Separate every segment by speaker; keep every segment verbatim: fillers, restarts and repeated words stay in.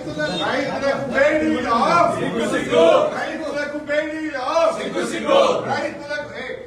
Speaker 1: రైతులకు బేడీలా సిగ్గు సిగ్గు రైతులకు బేడీలా సిగ్గు సిగ్గు రైతులకు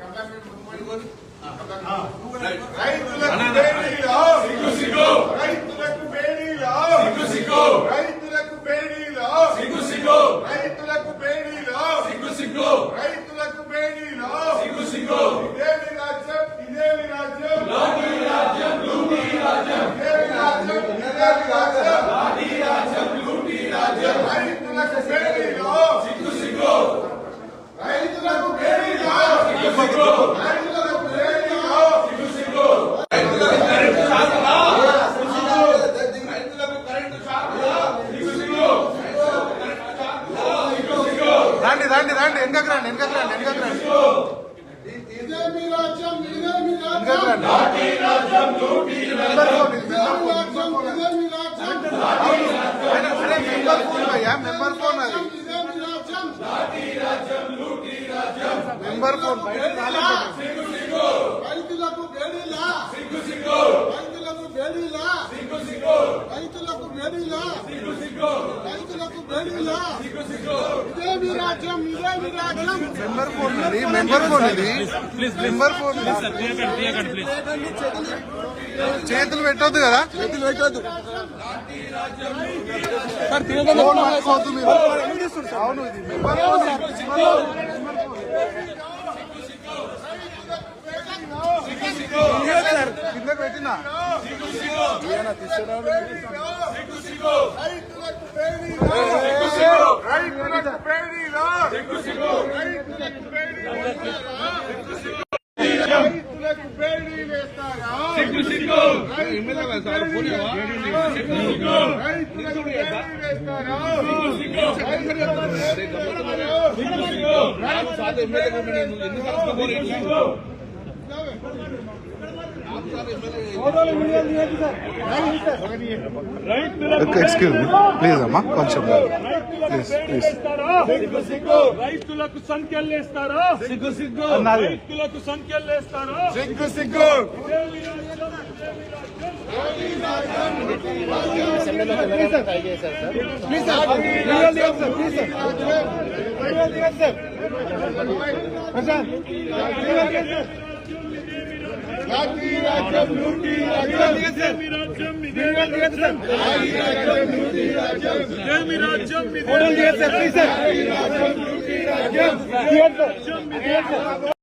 Speaker 1: రైతులకు బేడీలా సిగ్గు సిగ్గు రైతులకు బేడీలా సిగ్గు సిగ్గు రైతులకు బేడీలా సిగ్గు సిగ్గు రైతులకు బేడీలా సిగ్గు సిగ్గు రైతులకు బేడీలా సిగ్గు సిగ్గు ఇదేమి రాజ్యం ఇదేమి రాజ్యం లాఠీ రాజ్యం లూటీ రాజ్యం ఇదేమి రాజ్యం ఇదేమి రాజ్యం లాఠీ రాజ్యం లూటీ రాజ్యం రైతులకు బేడీలా సిగ్గు సిగ్గు రైతులకు బేడీలా సిగ్గు సిగ్గు రైతులకు బేడీలా సిగ్గు సిగ్గు రైతులకు కరెంటు షాకులా రైతులకు కరెంటు షాకులా సిగ్గు సిగ్గు
Speaker 2: రండి రండి రండి వెనకకు రండి వెనకకు రండి వెనకకు రండి
Speaker 1: ఇదేమి రాజ్యం ఇదేమి
Speaker 2: వెనకకు
Speaker 1: రాజ్యం
Speaker 2: రండి.
Speaker 1: లాఠీ రాజ్యం లూటీ రాజ్యం
Speaker 2: మెంబర్ ఫోన్
Speaker 1: ఇదేమి రాజ్యం
Speaker 2: ఆయన అరే మెంబర్ ఫోన్ భయ్యా మెంబర్ ఫోన్ అది
Speaker 1: ఇదేమి రాజ్యం
Speaker 2: మెంబర్ ఫోన్
Speaker 1: సిగ్గు సిగ్గు రైతులకు బేడీలా సిగ్గు సిగ్గు రైతులకు బేడీలా సిగ్గు సిగ్గు రైతులకు బేడీలా సిగ్గు సిగ్గు రైతులకు బేడీలా సిగ్గు సిగ్గు ఇదేమి రాజ్యం ఇదేమి రాజ్యం
Speaker 2: మెంబర్ ఫోన్ ఇది మెంబర్ ఫోన్ ఇది మెంబర్ ఫోన్ చేతులు పెట్టొద్దు కదా చేతులు పెట్టొద్దు ఫోన్ పట్టుకోవద్దు మీరు అవును ఇది మెంబర్ ఫోన్ సార్ కిందకు పెట్టినా ఎక్స్క్యూజ్ మీ ప్లీజ్ అమ్మా కొంచెం ప్లీజ్ ప్లీజ్
Speaker 3: రైతులకు సంఖ్యలేస్తారా సిగ్గు సిగ్గు రైతులకు సంఖ్యలేస్తారా
Speaker 1: సిగ్గు సిగ్గు లాఠీ రాజ్యం లూటీ రాజ్యం
Speaker 3: ఇదేమి రాజ్యం ఇదేమి రాజ్యం
Speaker 1: లూటీ రాజ్యం
Speaker 3: ఇదేమి రాజ్యం
Speaker 1: లూటీ రాజ్యం